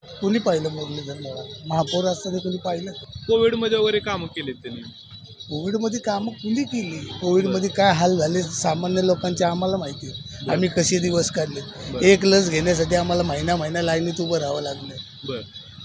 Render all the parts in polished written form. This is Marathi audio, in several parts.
कोणी पाहिलं मुरलीधर मोहोळ? महापौर असताना कोणी पाहिलं? कोविडमध्ये वगैरे कामं केलीत त्यांनी. कोविडमध्ये कामं कुणी केली? कोविडमध्ये काय हाल झाले सामान्य लोकांचे आम्हाला माहिती आहे. आम्ही कसे दिवस काढले. एक लस घेण्यासाठी आम्हाला महिना लाईनीत उभं राहावं लागलं. बर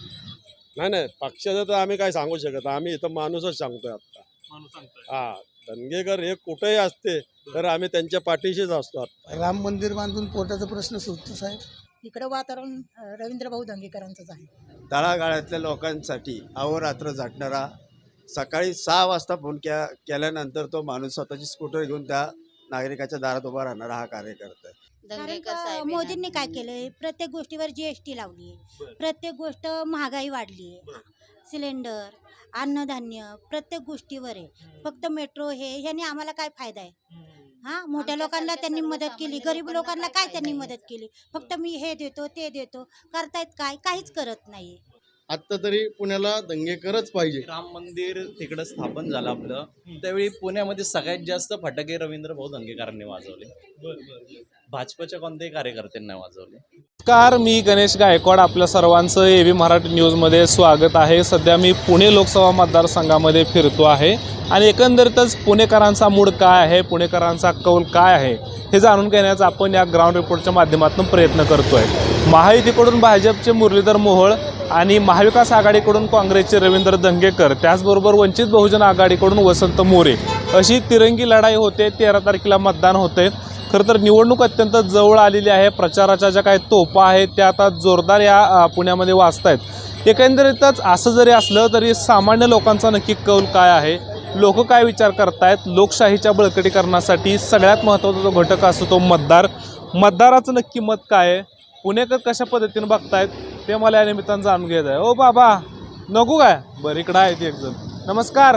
नाही पक्षाचं तर आम्ही काय सांगू शकत नाही. आम्ही इथं माणूसच सांगतोय आता. माणूस सांगताय. हा धनगेकर हे कुठेही असते तर आम्ही त्यांच्या पाठीशीच असतो आता. राम मंदिर बांधून पोटाचा प्रश्न सुटतो साहेब. इकडं वातावरण रवींद्र भाऊ दंगेकरांचंच आहे. तळागाळातल्या लोकांसाठी अहोरात्र झटणारा, सकाळी 6 वाजता फोन केल्यानंतर तो माणूस स्वतःची स्कूटर घेऊन त्या नागरिकाच्या दारात उभा राहणारा हा कार्यकर्ता आहे. कारण मोदींनी काय केलंय, प्रत्येक गोष्टीवर GST लावली, प्रत्येक गोष्ट महागाई वाढली, सिलेंडर, अन्नधान्य प्रत्येक गोष्टीवर आहे. फक्त मेट्रो ह्याने आम्हाला काय फायदा आहे? हा, मोठ्या लोकांना त्यांनी मदत केली, गरीब लोकांना काय त्यांनी मदत केली? फक्त मी हे देतो ते देतो, करतायत काय? काहीच करत नाही. आत्ता तरी पुण्याला दंगेकरच पाहिजे. राम मंदिर तिकडं स्थापन झालं आपलं, त्यावेळी पुण्यामध्ये सगळ्यात जास्त फटाके रवींद्र भाऊ दंगेकरांनी वाजवले. भाजपच्या कोणत्याही कार्यकर्त्यांनी वाजवले. नमस्कार, मी गणेश गायकवाड. आपल्या सर्वांचं AV मराठी न्यूजमध्ये स्वागत आहे. सध्या मी पुणे लोकसभा मतदारसंघामध्ये फिरतो आहे आणि एकंदरीतच पुणेकरांचा मूड काय आहे, पुणेकरांचा कौल काय आहे हे जाणून घेण्याचा आपण या ग्राउंड रिपोर्टच्या माध्यमातून प्रयत्न करतो आहे. महायुतीकडून भाजपचे मुरलीधर मोहोळ आणि महाविकास आघाडीकडून काँग्रेसचे रवींद्र दंगेकर, त्याचबरोबर वंचित बहुजन आघाडीकडून वसंत मोरे अशी तिरंगी लढाई होते. 13 तारखेला मतदान होते. खरं तर निवडणूक अत्यंत जवळ आलेली आहे. प्रचाराच्या ज्या काही तोफा आहेत त्या आता जोरदार या पुण्यामध्ये वाजत आहेत. एकंदरीतच असं जरी असलं तरी सामान्य लोकांचा नक्की कौल काय आहे, लोक काय विचार करतायत? लोकशाहीच्या बळकटीकरणासाठी सगळ्यात महत्त्वाचा जो घटक असतो तो मतदाराचं नक्की मत काय आहे, पुणेकर कशा पद्धतीने बघतायत ते मला या निमित्तानं जाणून घ्यायचं आहे. ओ बाबा नको काय? बरं, इकडं आहे एक जण. नमस्कार.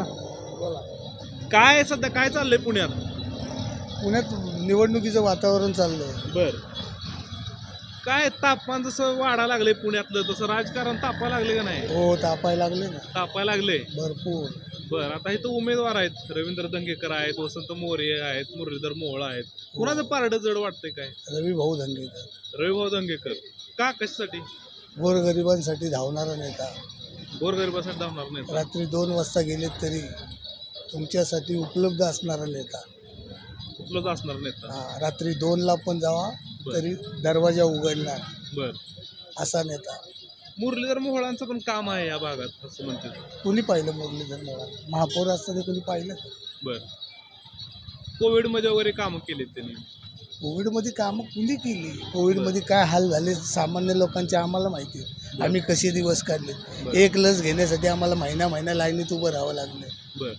काय सध्या काय चाललंय पुण्यात? पुण्यात निवडणुकीचं वातावरण चाललंय. बर, काय तापमान जसं वाढायला लागले पुण्यातलं तसं राजकारण तापायला लागले का नाही? हो, तापायला लागले ना तापायला लागले भरपूर. बर, आता इथं उमेदवार आहेत, रवींद्र दंगेकर आहेत, वसंत मोरे आहेत, मुरलीधर मोहोळ आहेत. कुणाचं पारडं जड वाटतंय काय? रवी भाऊ दंगेकर रविभाऊ दंगेकर. का, कशासाठी? गोरगरिबांसाठी धावणारा नेता. गोरगरिबासाठी धावणार नाही. रात्री 2 वाजता गेलेत तरी तुमच्यासाठी उपलब्ध असणारा नेता. उपलब्ध असणार नेता. हा, रात्री 2ला पण जावा तरी दरवाजा उघडणार बर, असा नेता. मुरलीधर मोहोळांचं पण काम आहे या भागात असं म्हणतात. कोणी पाहिलं मुरलीधर मोहोळ? महापौर असताना कोणी पाहिलं? बर, कोविडमध्ये वगैरे कामं केलीत त्यांनी. कोविडमध्ये कामं कुणी केली? कोविडमध्ये काय हाल झाले सामान्य लोकांचे आम्हाला माहिती आहे. आम्ही कसे दिवस काढले. एक लस घेण्यासाठी आम्हाला महिना लाईनीत उभं राहावं लागलं. बर,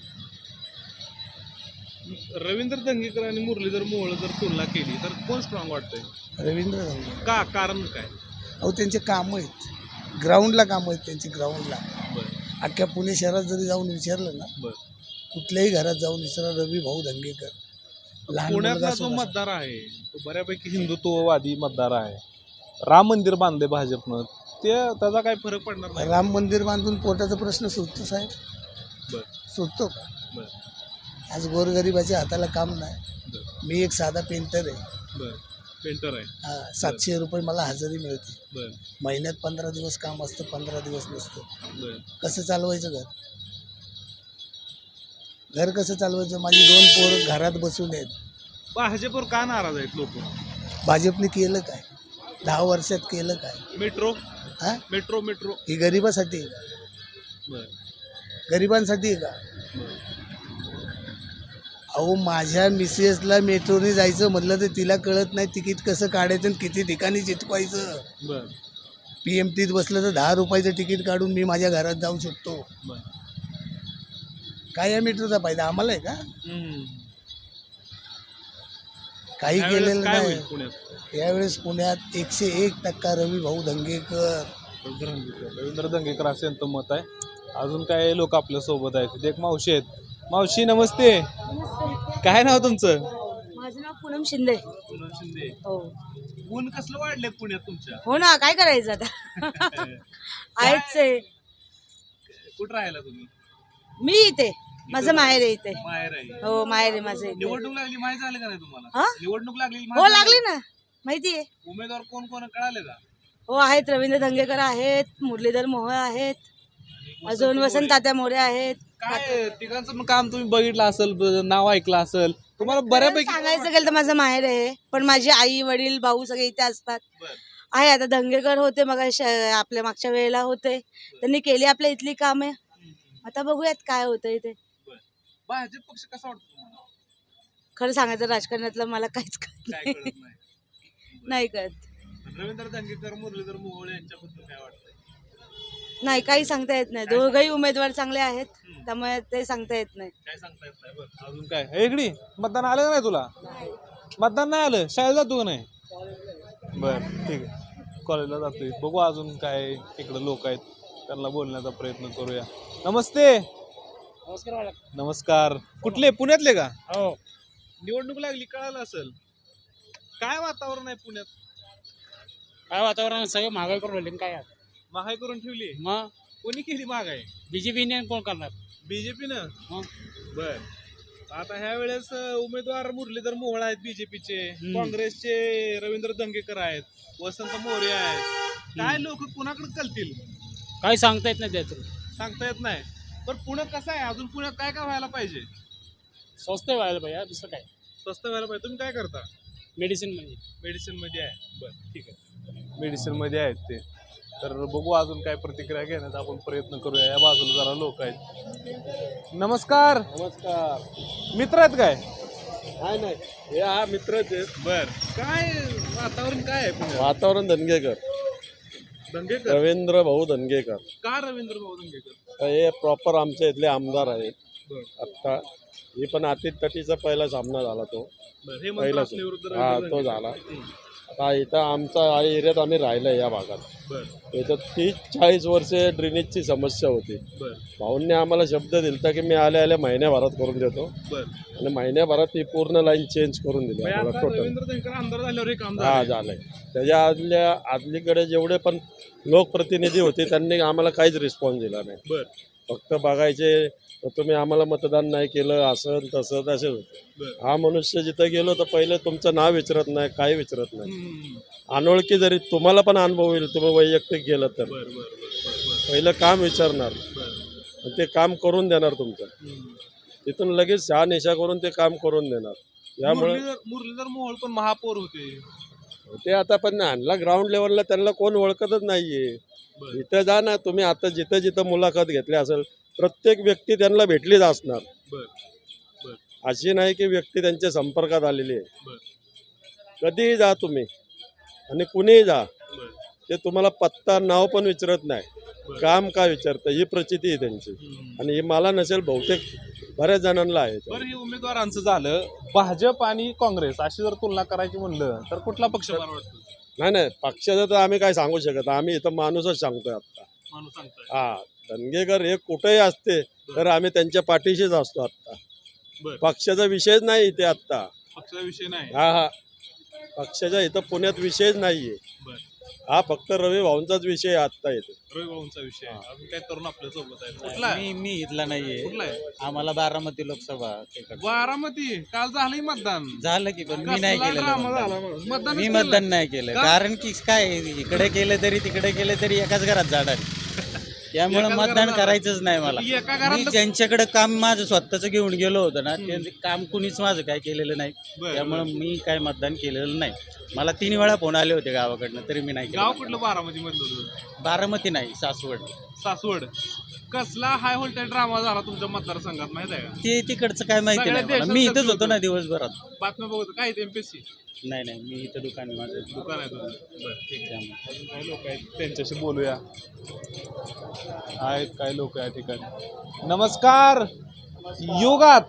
रवींद्र दंगेकर आणि मुरलीधर मोहोळ जर तुलना केली तर कोण स्ट्रॉंग वाटतंय? रवींद्र दंगेकर. का, कारण काय? अहो, त्यांचे कामं आहेत, ग्राउंडला कामं आहेत त्यांची. ग्राउंडला बर अख्ख्या पुणे शहरात जरी जाऊन विचारलं ना, बर, कुठल्याही घरात जाऊन विचारा, रवी भाऊ दंगेकर. लहान मुलगा पुण्यातला जो सुद्धा. मतदार आहे तो बऱ्यापैकी हिंदुत्ववादी मतदार आहे. राम मंदिर बांधले भाजपनं, त्याचा काय फरक पडणार नाही? राम मंदिर बांधून पोटाचा प्रश्न सुटतो साहेब? बर सुटतो का? बर आज गोरगरिबाच्या हाताला काम नाही. बर मी एक साधा पेंटर आहे. बर, पेंटर आहे. 700 रुपये मला हजेरी मिळते. बर महिन्यात 15 दिवस काम असतं, 15 दिवस नसतं. बर, कसं चालवायचं घर? घर कसं चालवायचं? माझी 2 पोरं घरात बसून आहेत. भाजपवर का नाराज आहेत लोक? भाजपने केलं काय? 10 वर्षात केलं काय? मेट्रो हा, मेट्रो मेट्रो ही गरिबासाठी आहे का? बर गरिबांसाठी आहे का? बर, अहो, माझ्या मिसेसला मेट्रोने जायचं म्हटलं तर तिला कळत नाही तिकीट कसं काढायचं आणि किती ठिकाणी चिटकवायचं. बर PMTत बसलं तर 10 रुपयाचं तिकीट काढून मी माझ्या घरात जाऊ शकतो. बर. काय या मेट्रोचा फायदा आम्हाला आहे का? काही यावेळेस केलेलं काय होईल नाही. पुण्यात? यावेळेस पुण्यात 101% रवी भाऊ दंगेकर. रवींद्र दंगेकर असं यांचं मत आहे. अजून काय लोक आपल्या सोबत आहेत. एक मावशी आहेत. मावशी नमस्ते. काय नाव तुमचं? माझं नाव पूनम शिंदे. पूनम शिंदे. हो ऊन कसलं वाढलंय पुण्यात तुमच्या? हो ना, काय करायचं आता? आहेच आहे. कुठं राहायला तुम्ही? मी इथे, माझं माहेर आहे इथे. माहेर आहे. हो, माहेर आहे माझं इथे. निवडणूक लागली माहिती झालं का नाही तुम्हाला? हा? निवडणूक लागली हो, लागली ना, माहिती आहे. उमेदवार कोण कोण कळाले का? हो आहेत, रवींद्र धंगेकर आहेत, मुरलीधर मोहोळ आहेत, अजून वसंत तात्या मोरे आहेत. काय तिघांचं पण काम तुम्ही बघितलं असेल, नाव ऐकलं असेल, तुम्हाला बऱ्यापैकी सांगायचं गेलं तर माझं माहेर आहे, पण माझे आई वडील भाऊ सगळे इथे असतात. बरं. आहे आता धंगेकर होते मग आपल्या मागच्या वेळेला होते, त्यांनी केली आपल्या इथली कामे. आता बघूयात काय होतं इथे. भाजप पक्ष कसा वाटतो तुम्हाला? खरं सांगायचं राजकारणातलं मला काहीच कळत काय नाही. कळत नाही. नाही कळत. रवींद्र धंगेकर, मुरलीधर मोहोळ यांच्याबद्दल काय वाटतंय? नाही काही सांगता येत नाही. दोघंही उमेदवार चांगले आहेत, त्यामुळे ते सांगता येत नाही. काय सांगता येत नाही. बरं, अजून काय हे इकडे मतदान आलं का नाही तुला? मतदान नाही आलं, शाळेला जातो का नाही? बर ठीक आहे, कॉलेजला जातोय. बघू अजून काय इकडे लोक आहेत, त्यांना बोलण्याचा प्रयत्न करूया. नमस्ते. नमस्कार. कुठले, पुण्यातले का? हो. निवडणूक लागली, कळालं असेल. काय वातावरण आहे पुण्यात? काय वातावरण, सगळं महागाई करून राहिले काय आता. महागाई करून ठेवली. मग कोणी केली महागाई? बीजेपीने कोण करणार? बीजेपीनं. मग बर, आता ह्या वेळेस उमेदवार मुरलीधर मोहोळ आहेत बीजेपीचे, हम्म. काँग्रेसचे रवींद्र धंगेकर आहेत, वसंत मोरे आहेत. काय लोक कुणाकडे कलतील काही सांगता येत नाही त्याचं. सांगता येत नाही. पण पुण्यात कसं आहे, अजून पुण्यात काय काय व्हायला पाहिजे? स्वस्त व्हायला पाहिजे, दुसरं काय. स्वस्त व्हायला पाहिजे. तुम्ही काय करता? मेडिसिन म्हणजे मेडिसिन मध्ये आहे. बरं ठीक आहे, मेडिसिन मध्ये आहेत ते. तर बघू अजून काय प्रतिक्रिया घेण्याचा आपण प्रयत्न करूया. या बाजूला जरा लोक आहेत. नमस्कार. नमस्कार. मित्र आहेत काय? काय नाही, हे हा मित्रच आहेत. बर, काय वातावरण काय आहे पुण्यात? वातावरण धनगेकर, धंगेकर. रवींद्र भाऊ धनगेकर. का रवींद्र भाऊ धंगेकर? हे प्रॉपर आमच्या इथले आमदार आहेत. बर. आत्ता हे पण अतित तटीचा पहिला सामना झाला तो. बर, हे पहिला मंत्र विरुद्ध हा रवींद्र तो धंगेकर. झाला. आता इथं आमचा एरियात आम्ही राहिलो या भागात. बर इथं 30-40 वर्षे ड्रेनेजची समस्या होती. बर भाऊंनी आम्हाला शब्द दिलता की मी आल्या महिन्याभरात करून देतो, बर. आणि महिन्याभरात ही पूर्ण लाईन चेंज करून दिली म्हणजे आम्हाला आता टोटल. रवींद्र धंगेकर आमदार झाल्यावर हे काम हा झालंय. झालंय. त्याच्या आदलीकडे जेवढे पण लोकप्रतिनिधी होते त्यांनी आम्हाला काहीच रिस्पॉन्स दिला नाही. बर फक्त बघायचे तुम्ही आम्हाला मतदान नाही केलं, असं तसं तसेच होते. बर. हा मनुष्य जिथं गेलो तर पहिले तुमचं नाव विचारत नाही, काही विचारत नाही. हम्म. अनोळखी जरी तुम्हाला पण अनुभव येईल, तुम्ही वैयक्तिक गेलं तर बर बर बर बर पहिलं काम विचारणार बर. आणि ते काम करून देणार तुमचं. हम्म. तिथून लगेच शहानिशा करून ते काम करून देणार. यामुळे मुरलीधर मोहोळ पण महापौर होते. ते आता पण आणला ग्राउंड लेवलला, त्यांना कोण ओळखतच नाहीये. बर इथं जा ना तुम्ही, आता जिथं जिथं मुलाखत घेतली असेल प्रत्येक व्यक्ती त्यांना भेटलीच असणार. बर बर अशी नाही की व्यक्ती त्यांच्या संपर्कात आलेली आहे. बर कधीही जा तुम्ही आणि कुणीही जा, बर. ते तुम्हाला पत्ता नाव पण विचारत नाही, बरं. काम काय विचारतं ही प्रचिती आहे त्यांची. हम्म. आणि हे मला नसेल, बहुतेक बऱ्याच जणांना आहे. बरं, हे उमेदवारांचं झालं. भाजप आणि काँग्रेस अशी जर तुलना करायची म्हणलं तर कुठला पक्ष बरा वाटतो? नाही पक्षाचं तर आम्ही काय सांगू शकत, आम्ही इथं माणूसच सांगतोय आता. माणूस सांगताय. हा, धनगेकर हे कुठेही असते तर आम्ही त्यांच्या पाठीशीच असतो आता. बरं. पक्षाचा विषयच नाही इथे आता. पक्षाचा विषय नाही. हा पक्षाच्या इथं पुण्यात विषयच नाहीये. बर. हा फक्त रवी भाऊंचाच विषय आहे आता इथे. रवी भाऊंचा विषय आहे. अजून काय तरुण आपल्या सोबत आहेत. कुठला आहे? मी इथला नाहीये, कुठला आहे? आम्हाला बारामती लोकसभा तिकडचं. बारामती. काल झालंय मतदान. झालं की, पण मी नाही कसला केलं ड्रामा मतदान. झाला मग. मतदानच मी केलं मतदान नाही केलं, का? कारण की काय इकडे केलं तरी तिकडे केलं तरी एकाच घरात जाणार. त्यामुळे एकाच मतदान घरात करायचंच नाही मला. एका मी घरात ज्यांच्याकडे काम माझं स्वतःच घेऊन गेलो होतं ना, ते काम कुणीच माझं काय केलेलं नाही. बरं, त्यामुळे मी काय मतदान केलेलं नाही. मला 3 वेळा फोन आले होते गावाकडनं, तरी मी नाही गाव केलं. कुठलं बारामती मधलं होतं? बारामती नाही, सासवड. सासवड. कसला हाय व्होल्टेज ड्रामा झाला तुमच्या मतदारसंघात माहित आहे का? ते तिकडचं काय माहिती सगळ्या नाही मला. देशात मी इथंच चर्चा होतो ना होतं. दिवसभरात. बातम्या बघतो काय एमपीएससी नाही मी इथं दुकान आहे माझं. दुकान आहे तुझं. बरं ठीक आहे. त्यामुळे अजून काही लोक आहेत त्यांच्याशी बोलूया. आहेत काही लोक या ठिकाणी. नमस्कार. युगात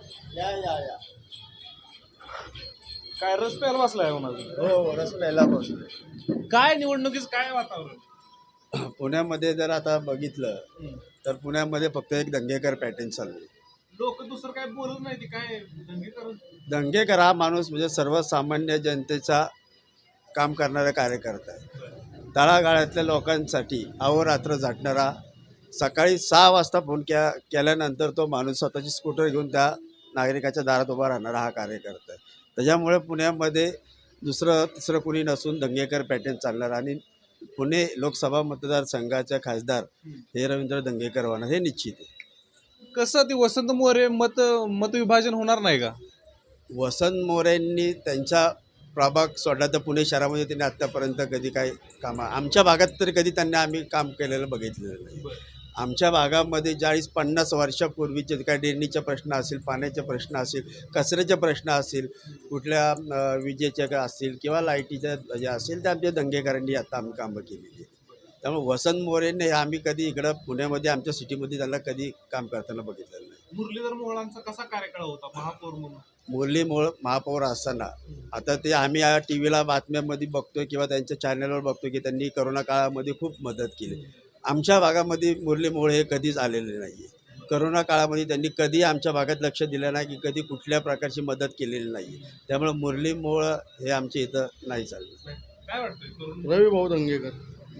काय रस प्यायला बसलाय माझं? हो, रस प्यायला बसलोय. काय निवडणुकीच काय वातावरण? पुण्यामध्ये जर आता बघितलं तर पुण्यामध्ये फक्त एक दंगेकर पॅटर्न चालू आहे. लोक दुसरं काय बोलत नाही, ते काय दंगे करून. दंगेकर हा माणूस म्हणजे सर्वसामान्य जनतेचा काम करणारा कार्यकर्ता आहे. तळागाळातल्या लोकांसाठी अहोरात्र झटणारा. सकाळी 6 वाजता फोन केल्यानंतर तो माणूस स्वतःची स्कूटर घेऊन त्या नागरिकाच्या दारात उभा राहणारा हा कार्यकर्ता आहे. त्याच्यामुळे पुण्यामध्ये दुसरं तिसरं कुणी नसून दंगेकर पॅटर्न चालणार. आणि पुणे लोकसभा मतदारसंघाचे खासदार हे रवींद्र धंगेकर होणार हे निश्चित आहे. कसं ते वसंत मोरे मतविभाजन होणार नाही का? वसंत मोरेंनी त्यांचा प्रभाग सोडला तर पुणे शहरामध्ये त्यांनी आत्तापर्यंत कधी काही कामं आमच्या भागात तरी कधी त्यांनी आम्ही काम केलेलं बघितलेलं नाही. आमच्या भागामध्ये 40-50 वर्षापूर्वीचे काही ड्रेनेजचे प्रश्न असेल, पाण्याचे प्रश्न असेल, कचऱ्याचे प्रश्न असेल, कुठल्या विजेचे काय असतील किंवा लाईटीच्या जे असेल ते आमच्या दंगेकरांनी आता आम्ही कामं केलेली आहेत. त्यामुळे वसंत मोरेंनी हे आम्ही कधी इकडं पुण्यामध्ये आमच्या सिटीमध्ये त्यांना कधी काम करताना बघितलेलं नाही. मुरलीधर मोहोळांचा कसा कार्यकाळ होता महापौर म्हणून? मुरली मोहोळ महापौर असताना आता ते आम्ही या टी व्हीला बातम्यांमध्ये बघतोय किंवा त्यांच्या चॅनलवर बघतोय की त्यांनी करोना काळामध्ये खूप मदत केली. आमच्या भागामध्ये मुरली मोहोळ हे कधीच आलेले नाही आहे. करोना काळामध्ये त्यांनी कधी आमच्या भागात लक्ष दिलं नाही की कधी कुठल्या प्रकारची मदत केलेली नाही. त्यामुळे मुरली मोहोळ हे आमच्या इथं नाही चाललं. काय वाटतं रवी भाऊ दंगेकर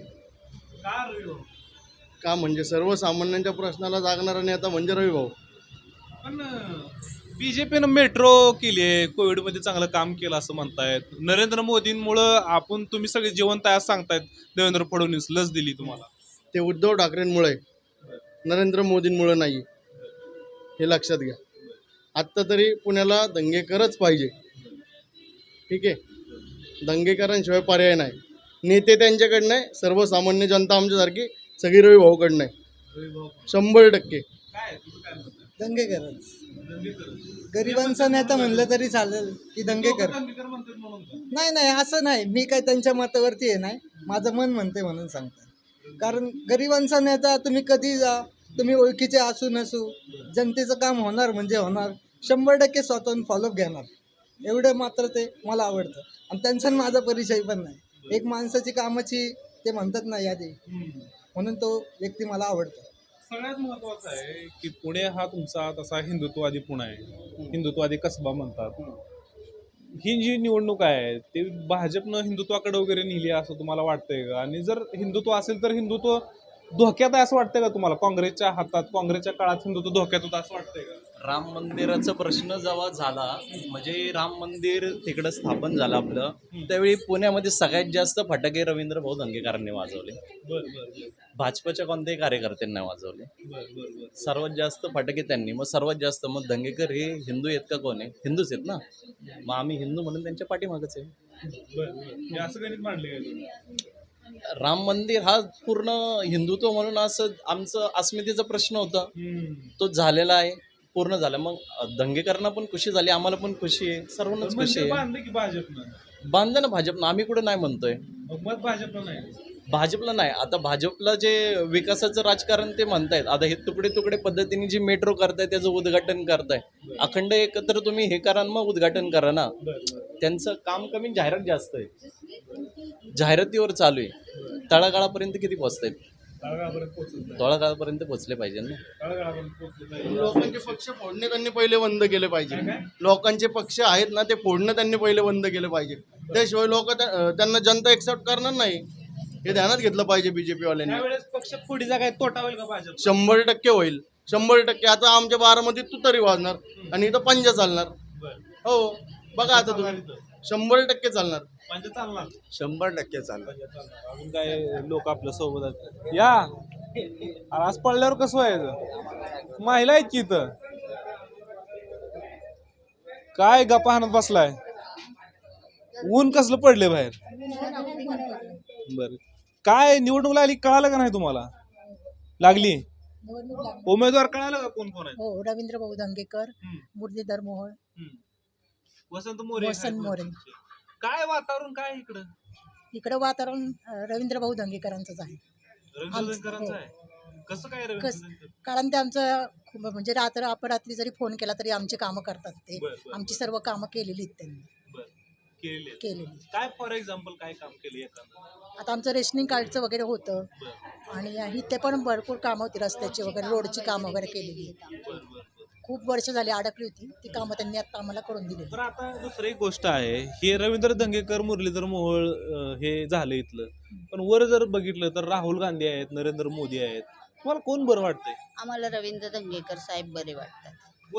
का रवी भाऊ? का म्हणजे सर्वसामान्यांच्या प्रश्नाला जागणारा नेता म्हणजे रवी भाऊ. पण बीजेपीनं मेट्रो केली आहे, कोविडमध्ये चांगलं काम केलं असं म्हणतायत. नरेंद्र मोदींमुळं तुम्ही सगळे जिवंत आहे असं सांगतायत. देवेंद्र फडणवीस लस दिली तुम्हाला. ते उद्धव ठाकरेंमुळे, नरेंद्र मोदींमुळे नाही, हे लक्षात घ्या. आत्ता तरी पुण्याला दंगेकरच पाहिजे. ठीक आहे, दंगेकरांशिवाय पर्याय नाही. नेते त्यांच्याकडनं आहे, सर्वसामान्य जनता आमच्यासारखी सगळी रवी भाऊकडनं आहे 100%. काय तुझं काय मत आहे? दंगेकरच. दंगेकर. गरिबांचा नेता म्हणलं तरी चालेल की दंगेकर. दंगेकर म्हणतात म्हणून का? नाही असं नाही, मी काय त्यांच्या मतावरती आहे नाही, माझं मन म्हणते म्हणून सांगतो. कारण गरिबांचा नेता तुम्ही कधी जा, तुम्ही ओळखीचे असू नसू, जनतेचं काम होणार म्हणजे होणार, 100% स्वतःहून फॉलोअप घेणार. एवढं मात्र ते मला आवडतं. आणि त्यांचा माझा परिचय पण नाही. एक माणसाची कामाची ते म्हणतात ना यादी, म्हणून तो व्यक्ती मला आवडतो. सगळ्यात महत्वाचं आहे की पुणे हा तुमचा तसा हिंदुत्ववादी पुणे आहे, हिंदुत्ववादी कसबा म्हणतात. ही जी निवडणूक आहे ते भाजपनं हिंदुत्वाकडे वगैरे नेली असं तुम्हाला वाटतंय का? आणि जर हिंदुत्व असेल तर हिंदुत्व धोक्यात आहे असं वाटतंय का तुम्हाला? काँग्रेसच्या हातात, काँग्रेसच्या काळात हिंदुत्व धोक्यात होतं असं वाटतंय का? राम मंदिराचा प्रश्न जेव्हा झाला, म्हणजे राम मंदिर तिकडं स्थापन झालं आपलं, त्यावेळी पुण्यामध्ये सगळ्यात जास्त फटाके रवींद्र भाऊ दंगेकरांनी वाजवले. भाजपच्या कोणत्याही कार्यकर्त्यांनी वाजवले. सर्वात जास्त फटाके त्यांनी. मग सर्वात जास्त मग दंगेकर हे हिंदू आहेत का? कोण आहे? हिंदूच आहेत ना. मग आम्ही हिंदू म्हणून त्यांच्या पाठीमागच आहे. असं गणित मांडले राम मंदिर हा पूर्ण हिंदुत्व म्हणून असं आमचं अस्मितेचा प्रश्न होता, तो झालेला आहे, पूर्ण झाला. मग दंगेकरांना पण खुशी झाली, आम्हाला पण खुशी आहे, सर्वांनाच खुशी आहे. बांधले की भाजपनं? बांधलं ना भाजपनं, आम्ही कुठं नाही म्हणतोय. मत भाजपनं नाही. भाजपला नाही. आता भाजपला जे विकासाचं राजकारण ते म्हणतायत, आता हे तुकडे तुकडे पद्धतीने जी मेट्रो करताय त्याचं उद्घाटन करताय. अखंड एकत्र तुम्ही हे करा मग उद्घाटन करा ना. त्यांचं काम कमी, जाहिरात जास्त आहे, जाहिरातीवर चालू आहे. तळागाळापर्यंत किती पोहोचतायत? तळागाळापर्यंत पोहोचले पाहिजे ना. लोकांचे पक्ष फोडणे त्यांनी पहिले बंद केले पाहिजे. लोकांचे पक्ष आहेत ना ते फोडणं त्यांनी पहिले बंद केले पाहिजे. त्याशिवाय लोक त्यांना जनता एक्सेप्ट करणार नाही, हे ध्यानात घेतलं पाहिजे बीजेपी वाल्यांनी. त्यावेळेस पक्ष फोडीचा काय तोटा होईल का भाजप? 100% होईल, 100%. आता आमच्या बारामध्ये तू तरी वाजणार आणि इथं पंजा चालणार. हो बघा आता तुम्ही, 100% चालणार. 100% चालणार. अजून काय लोक आपल्या सोबत आहेत. या आज पडल्यावर कसं व्हायचं? महिला आहेत की इथं काय गप्पा हाणत बसलाय? ऊन कसलं पडले बाहेर? बर, काय निवडणूक लागली कळालं का नाही तुम्हाला? लागली उमेदवार कळालं का कोण कोण आहे? हो, रवींद्र भाऊ दंगेकर, मुरलीधर मोहोळ, वसंत मोरे. काय वातावरण काय इकडं? इकडं वातावरण रवींद्र भाऊ दंगेकरांचंच आहे. रवींद्र आहे. कसं काय रवींद्र? कारण ते आमचं म्हणजे अपरात्री जरी फोन केला तरी आमची कामं करतात ते. आमची सर्व कामं केलेली आहेत त्यांनी. केलेली. काय फॉर एक्झाम्पल काय काम केले? आता आमचं रेशनिंग कार्डचं वगैरे होतं आणि इथे पण भरपूर कामं होती, रस्त्याची वगैरे, रोडची कामं वगैरे केलेली. खूप वर्ष झाली अडकली होती ती कामं त्यांनी आता आम्हाला करून दिली. तर आता दुसरी एक गोष्ट आहे, हे रवींद्र दंगेकर, मुरलीधर मोहोळ हे झालं इथलं, पण वर जर बघितलं तर राहुल गांधी आहेत, नरेंद्र मोदी आहेत. तुम्हाला कोण बरं वाटतंय? आम्हाला रवींद्र दंगेकर साहेब बरे वाटतात.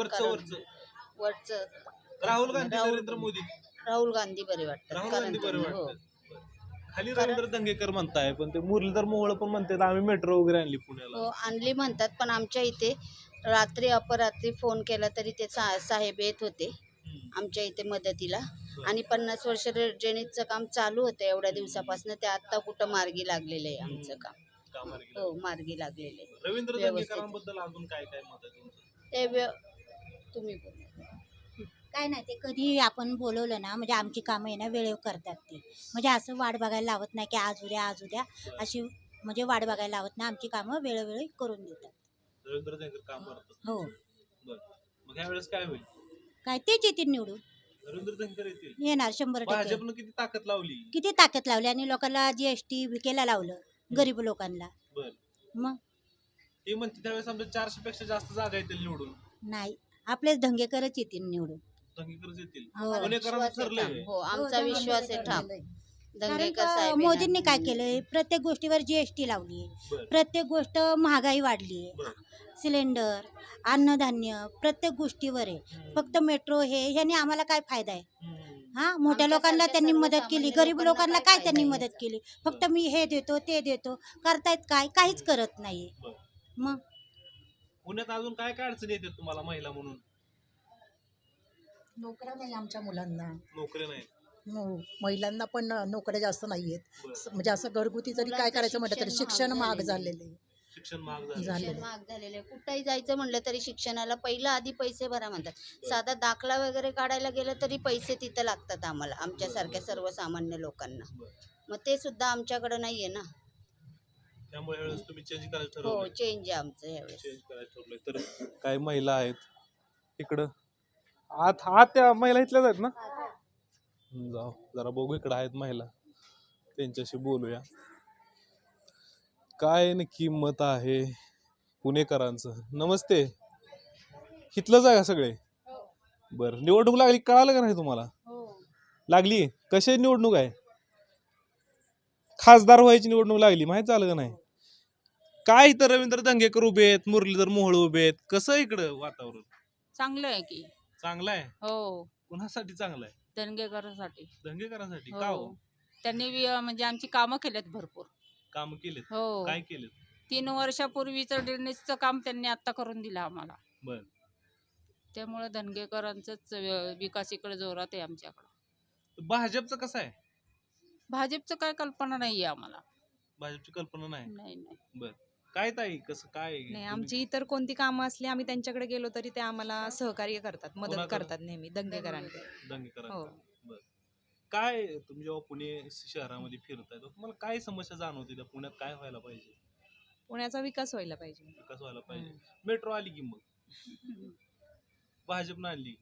वरचं राहुल गांधी, नरेंद्र मोदी? राहुल गांधी बरे वाटतात. राहुल गांधी बरे वाटतात. खाली रवींद्र दंगेकर म्हणताय, पण ते मुरलीधर मोहोळ पण म्हणतात आम्ही मेट्रो वगैरे आणली पुण्याला. हो आणली म्हणतात, पण आमच्या इथे रात्री अपरात्री फोन केला तरी ते साहेब येत होते आमच्या इथे मदतीला. आणि 50 वर्ष ड्रेनेजचं काम चालू होतं एवढ्या दिवसापासून, ते आता कुठं मार्गी लागलेलं आहे आमचं काम. हो मार्गी लागलेलं आहे. रवींद्र व्यवस्थित. दंगेकरांबद्दल अजून काय काय मत आहे तुमचं? तुम्ही बोला. काय नाही, ते कधी आपण बोलवलं ना म्हणजे आमची कामं आहे ना वेळेवर करतात ते. म्हणजे असं वाट बघायला लावत नाही की आज उद्या अशी म्हणजे वाट बघायला लावत नाही, आमची कामं वेळोवेळी करून देतात. रवींद्र दंगेकर काम करतात. हो. बरं. मग ह्या वेळेस काय होईल? काय तेच येतील निवडून, रवींद्र दंगेकर येतील. येणार 100%. भाजपनं किती ताकद लावली. किती ताकद लावली आणि लोकांना GST विकेला लावलं गरीब लोकांना. बर. मग ते म्हणते त्यावेळेस आमच्या 400 पेक्षा जास्त जागा येतील निवडून. नाही, आपलेच धंगेकरच येतील निवडून. दंगेकरच येतील. हो. पुणेकरांचं विश्वास आहे ठरलंय. ठाम. हो आमचा विश्वास आहे ठाम. कारण दंगेकर का साहेब मोदींनी काय केलंय, प्रत्येक गोष्टीवर GST लावली, बरं. प्रत्येक गोष्ट महागाई वाढली, बरं. सिलेंडर, अन्नधान्य प्रत्येक गोष्टीवर आहे. फक्त मेट्रो ह्याने आम्हाला काय फायदा आहे? हा, मोठ्या लोकांना त्यांनी मदत केली, गरीब लोकांना काय त्यांनी मदत केली? फक्त मी हे देतो ते देतो, करतायत काय? काहीच करत नाहीये. बरं. मग पुण्यात अजून काय काय अडचणी येतात तुम्हाला महिला म्हणून? नोकऱ्या नाही आमच्या मुलांना. नोकरी नाही. महिलांना पण नोकऱ्या जास्त नाहीयेत. बरं. म्हणजे असं घरगुती जरी काय करायचं म्हटलं तरी शिक्षण महाग झालेलं आहे. शिक्षण महाग झालं. झालं. शिक्षण महाग झालेलं आहे. कुठंही जायचं म्हणलं तरी शिक्षणाला पहिलं आधी पैसे भरा म्हणतात. साधा दाखला वगैरे काढायला गेलं तरी पैसे तिथं लागतात आम्हाला, आमच्यासारख्या सर्वसामान्य लोकांना. मग ते सुद्धा आमच्याकडे नाहीये ना. त्यामुळे ह्यावेळेस तुम्ही चेंज करायला हो ठरवलं. चेंज आहे आमचं यावेळेस. चेंज करायला ठरवलंय. तर काही महिला आहेत इकडं. आत त्या महिला इथल्याच आहेत ना? जाऊ जरा बघू, इकडं आहेत महिला, त्यांच्याशी बोलूया. काय नक्की मत आहे पुणेकरांचं? नमस्ते, इथलंच आहे का सगळे? बरं, निवडणूक लागली कळालं का नाही तुम्हाला? लागली. कशी निवडणूक आहे? खासदार व्हायची निवडणूक लागली, माहित झालं का नाही? काय इथं रवींद्र दंगेकर उभे आहेत, मुरलीधर मोहोळ उभे आहेत, कसं इकडं वातावरण? चांगलं आहे की. चांगलं आहे. हो, कुणासाठी चांगलं आहे? धनगेकरांसाठी. दंगेकरांसाठी. का हो? त्यांनी म्हणजे आमची कामं केलेत भरपूर. काम केलेत? हो. काय केलेत? 3 वर्षापूर्वीचं ड्रेनेजचं काम त्यांनी आता करून दिलं आम्हाला. बर. त्यामुळे धनगेकरांचंच विकास इकडे जोरात आहे आमच्याकडं. भाजपचं कसं आहे? भाजपचं काय कल्पना नाहीये आम्हाला. भाजपची कल्पना नाही. नाही. बर. काय ताई, कसं काय? नाही, आमची इतर कोणती कामं असली आम्ही त्यांच्याकडे गेलो तरी ते आम्हाला सहकार्य करतात, मदत कोणाकडे? करतात नेहमी दंगेकरांकडे. दंगेकरांचं. हो. बर. काय तुम्ही जेव्हा पुणे शहरामध्ये फिरताय तर तुम्हाला काय समस्या जाणवते त्या पुण्यात? काय व्हायला पाहिजे? पुण्याचा विकास व्हायला पाहिजे. विकास व्हायला पाहिजे. मेट्रो आली की मग भाजपनं आणली.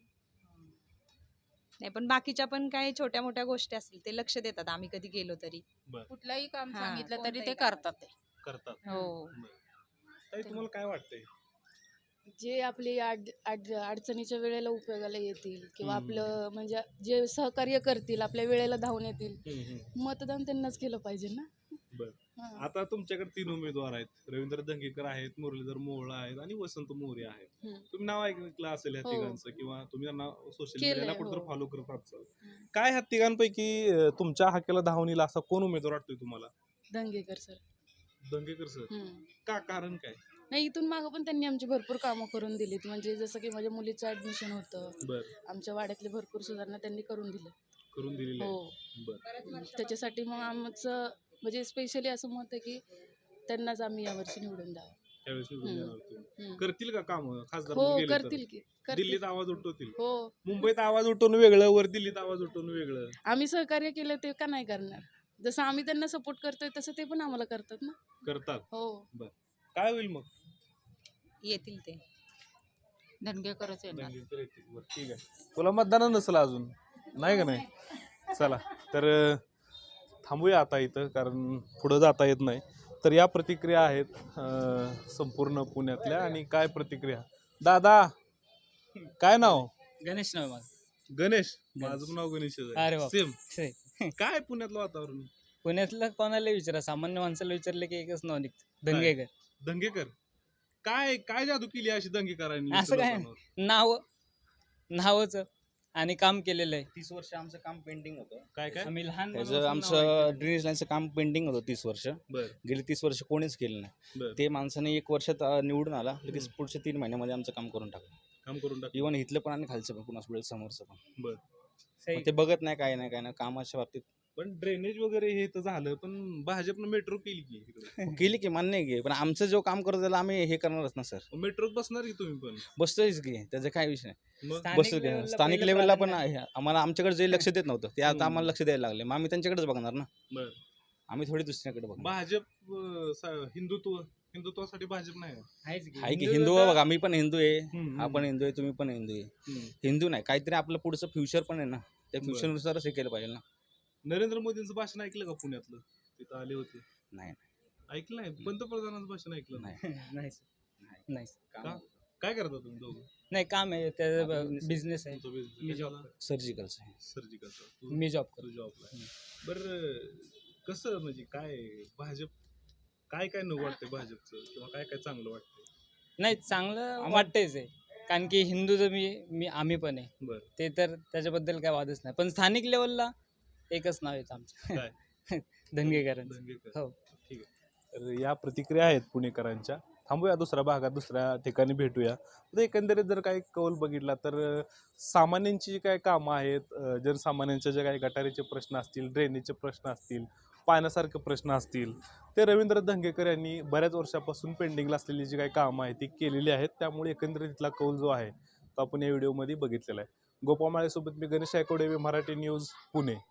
नाही, पण बाकीच्या पण काही छोट्या मोठ्या गोष्टी असतील ते लक्ष देतात आम्ही कधी गेलो तरी. कुठलंही काम हा, सांगितलं तरी कोणतंही ते काम. करतात ते. करतात. हो. ताई, तुम्हाला काय वाटतंय? जे आपली अडचणीच्या वेळेला उपयोगाला येतील किंवा हम्म. आपलं म्हणजे जे सहकार्य करतील, आपल्या वेळेला धावून येतील, मतदान त्यांनाच केलं पाहिजे ना. बर. हा. आता तुमच्याकडे 3 उमेदवार आहेत. रवींद्र दंगेकर आहेत, मुरलीधर मोहोळ आहेत आणि वसंत मोरे आहेत. हम्म. तुम्ही नाव ऐकलं असेल ह्या हो. तिघांचं, किंवा तुम्ही त्यांना सोशल केलंय, मीडियाला कुठेतरी हो. फॉलो करत असाल. काय ह्या तिघांपैकी तुमच्या हाकेला धावून येईल असा कोण उमेदवार वाटतोय तुम्हाला? दंगेकर सर. दंगेकर सर. का? कारण काय? नाही, इथून मागं पण त्यांनी आमची भरपूर कामं करून दिलीत. म्हणजे जसं की माझ्या मुलीचं ऍडमिशन होतं, बर. आमच्या वाड्यातली भरपूर सुधारणा त्यांनी करून दिल्या. करून दिलेलं आहे. हो. बर. त्याच्यासाठी मग आमचं म्हणजे स्पेशली असं मत आहे की त्यांनाच आम्ही यावर्षी निवडून द्यावं. त्यावेळेस निवडून हम्म. येणार तुम्ही. हम्म. करतील का काम खासदार हो, म्हणून गेले तर? करतील की करतील. दिल्लीत आवाज उठवतील. हो, मुंबईत आवाज उठवून वेगळं, वर दिल्लीत आवाज उठवून वेगळं. आम्ही सहकार्य केलं ते का नाही करणार? जसं आम्ही त्यांना सपोर्ट करतोय तसं ते पण आम्हाला करतात ना. करतात. हो. काय होईल मग? येतील ते. धनगेकरच येणार. दंगेकर येतील. बरं, ठीक आहे. तुला मतदान नसेल अजून, नाही का? नाही. चला तर थांबूया आता इथं, कारण पुढं जाता येत नाही. तर या प्रतिक्रिया आहेत संपूर्ण पुण्यातल्या. आणि काय प्रतिक्रिया? दादा, काय नाव? गणेश नाव माझं. गणेश. माझं पण नाव गणेश अरे आहे. बाप. सेम. काय पुण्यातलं वातावरण? पुण्यातलं कोणाला विचारा, सामान्य माणसाला विचारलं की एकच नाव निघतं, दंगेकर. दंगेकर. काय काय जादू केली अशी दंगेकरांनी असं काय? लोकांवर? नावच आणि काम केलेलं आहे. 30 वर्ष आमचं काम पेंडिंग होतं. काय काय आम्ही लहान आमचं ड्रेनेज लाईनचं काम पेंडिंग होतं 30 वर्ष. बर गेली 30 वर्ष कोणीच केलं नाही. बर ते माणसाने 1 वर्षात निवडून आला, लगेच पुढच्या 3 महिन्यामध्ये आमचं काम करून टाकलं. काम करून टाक. इव्हन इथलं पण आणि खालचं पण कुणास वेळ समोरचं पण. बर पण ते बघत नाही, काय नाही कामाच्या बाबतीत पण ड्रेनेज वगैरे हे तर झालं, पण भाजपनं मेट्रो केली की इकडे. केली की मान्य आहे की, पण आमचं जो काम करतो त्याला आम्ही हे करणारच ना सर. मेट्रोत बसणार की तुम्ही पण. बसतोयच की, त्याचा काय विषय नाही. मग बसतो की लेवलला स्थानिक पहिलं लेवलला पण प्राधान्य आहे. आम्हाला आमच्याकडे जे लक्ष देत नव्हतं ते आता आम्हाला लक्ष द्यायला लागले. मग आम्ही त्यांच्याकडेच बघणार ना. बर आम्ही थोडी दुसऱ्याकडे बघणार. भाजप हिंदुत्वासाठी भाजप नाही का? आहे की हिंदू बघा, मी पण हिंदू आहे, हम्म, आपण हिंदू आहे, तुम्ही पण हिंदू आहे. हम्म. हिंदू नाही, काहीतरी आपलं पुढचं फ्युचर पण आहे ना, त्या बरं. फ्युचरनुसारच हे केलं पाहिजे ना. नरेंद्र मोदींचं भाषण ऐकलं का पुण्यातलं? तिथं आले होते. नाही ऐकलं नाही? पंतप्रधानांचं भाषण ऐकलं नाही? नाही नाही का? काय करता तुम्ही दोघं? नाही काम आहे त्याचा बिझनेस आहे. तुमचा business मी कशाला? सर्जिकलचं आहे. सर्जिकलचा. मी जॉब करतो. जॉबला आहे. बरं कसं म्हणजे काय भाजप काय काय न वाटतंय भाजपचं, किंवा काय काय चांगलं वाटतंय? नाही चांगलं वाटतेच आहे, कारण की हिंदू तर आम्ही पण आहे. बरं ते तर त्याच्याबद्दल काय वादच नाही. पण स्थानिक लेवलला एकच नाव येतं आमचं काय? धंगेकर. धंगेकर. हो. ठीक आहे. तर या प्रतिक्रिया आहेत पुणेकरांच्या. थांबूया दुसऱ्या भागात, दुसऱ्या ठिकाणी भेटूया. तर एकंदरीत जर काही कौल बघितला तर सामान्यांची जी काही कामं आहेत, जनसामान्यांच्या जे काही गटारीचे प्रश्न असतील, ड्रेनेजचे प्रश्न असतील, पाण्यासारखे प्रश्न असतील, ते रवींद्र धंगेकर यांनी बऱ्याच वर्षापासून पेंडिंगला असलेली जी काही कामं आहेत ती केलेली आहेत. त्यामुळे एकंदरीत इथला कौल जो आहे तो आपण या व्हिडिओमध्ये बघितलेला आहे. गोपामाळेसोबत मी गणेश आयकोडे, मराठी न्यूज, पुणे.